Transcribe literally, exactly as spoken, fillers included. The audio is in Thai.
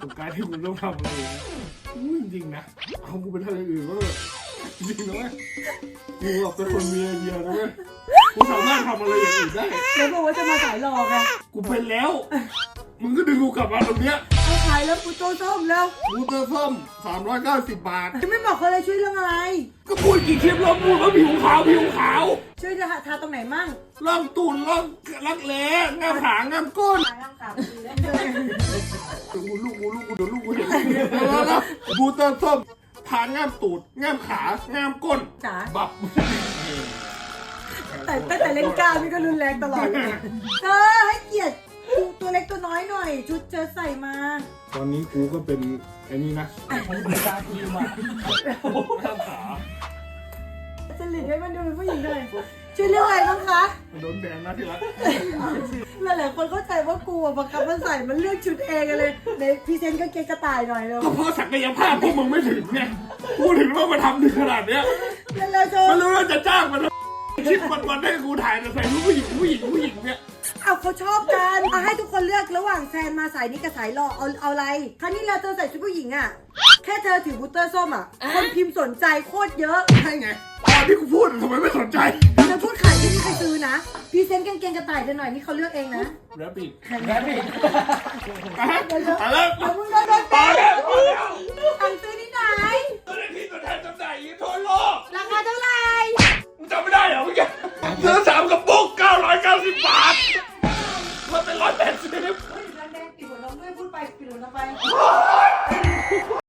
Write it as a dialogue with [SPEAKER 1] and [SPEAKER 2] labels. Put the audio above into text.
[SPEAKER 1] กับการที่คุณต้องทำอะไรนะจริงๆนะเอากูไปทำอย่างอื่นก็จริงๆนะเว้ยกูแบบเป็นคนมีไอเดียนะเว้ยกูสามารถทำอะไรอย่างอื่นได้
[SPEAKER 2] แล้วบอกว่าจะมาขายหลอกไง
[SPEAKER 1] กูเป็นแล้วมึงก็ดึงกูกลับมาตรงเนี้ย
[SPEAKER 2] เอาขายแล้วกูโตส้มแล้ว
[SPEAKER 1] กูเตอร์ส้มสามร้อยเก้าสิบบาท
[SPEAKER 2] จะไม่บอกเขาเลยช่วยเรื่องอะไร
[SPEAKER 1] ก็พูดกี่คลิปแล้วพูดว่าผิวขาวผิวขาว
[SPEAKER 2] ช่วยจะทาตรงไหนมั่ง
[SPEAKER 1] ล่องตูนล่องรักแร้ง่ามขางามก้น
[SPEAKER 2] ขายร่างกายดีแล้ว
[SPEAKER 1] กูลูกกูลูกกูเดี๋ยวลูกกูเห็นแล้วนะบูเตอร์ส้มทานง่ามตูดง่ามขาง่ามก้น
[SPEAKER 2] จ๋า
[SPEAKER 1] บับ
[SPEAKER 2] แต่ตั้งแต่เล่นกล้ามนี่ก็รุนแรงตลอดเลยเธอให้เกียรติตัวเล็กตัวน้อยหน่อย ชุดเธอใส่มา
[SPEAKER 1] ตอนนี้กูก็เป็นไอ้นี่นะผมเป็นตาทีมอ่ะง่ามขา
[SPEAKER 2] จะหลีกให้มันดูเป็นผู้หญิงหน่อยช่วยเรื่องอะไรบ้างคะ
[SPEAKER 1] โดนแบนนะที่รัก
[SPEAKER 2] หลายๆคนเข้าใจว่ากูอะบังคับมันใส่มันเลือกชุดเองเลยในพรีเซนต์ก็เกงกระต่ายหน่อยเลย
[SPEAKER 1] ก็เพราะศักยภาพพวกมึงไม่ถึงไงพูดถึงว่ามาทำถึงขนาดเนี้ย
[SPEAKER 2] แล้วโจ
[SPEAKER 1] มันรู้ว่าจะจ้างมันคิดวันวันๆให้กูถ่ายแต่ใส่รูปผู้หญิงผู้หญิงผู้หญิงเนี่ย
[SPEAKER 2] เอาเขาชอบกันเอาให้ทุกคนเลือกระหว่างแซนมาสายนี้กับสายหล่อเอาเอาอะไรครั้งนี้เราเธอใส่ชุดผู้หญิงอ่ะแค่เธอถือบูตเตอร์ส้มอ่ะคนพิมพ์สนใจโคตรเยอะ
[SPEAKER 1] ใช่ไงตอนที่กูพูดทำไมไม่สนใจ
[SPEAKER 2] เธอพูดขายที่นี่ใครซื้อนะพรีเซนต์กางเกงกระต่ายเธอหน่อยนี่เขาเลือกเองนะ
[SPEAKER 1] แรปปี้
[SPEAKER 3] แรปปี้
[SPEAKER 1] อ่ะแล้ว
[SPEAKER 2] เดี๋ยวมึงโดนโดน
[SPEAKER 1] ต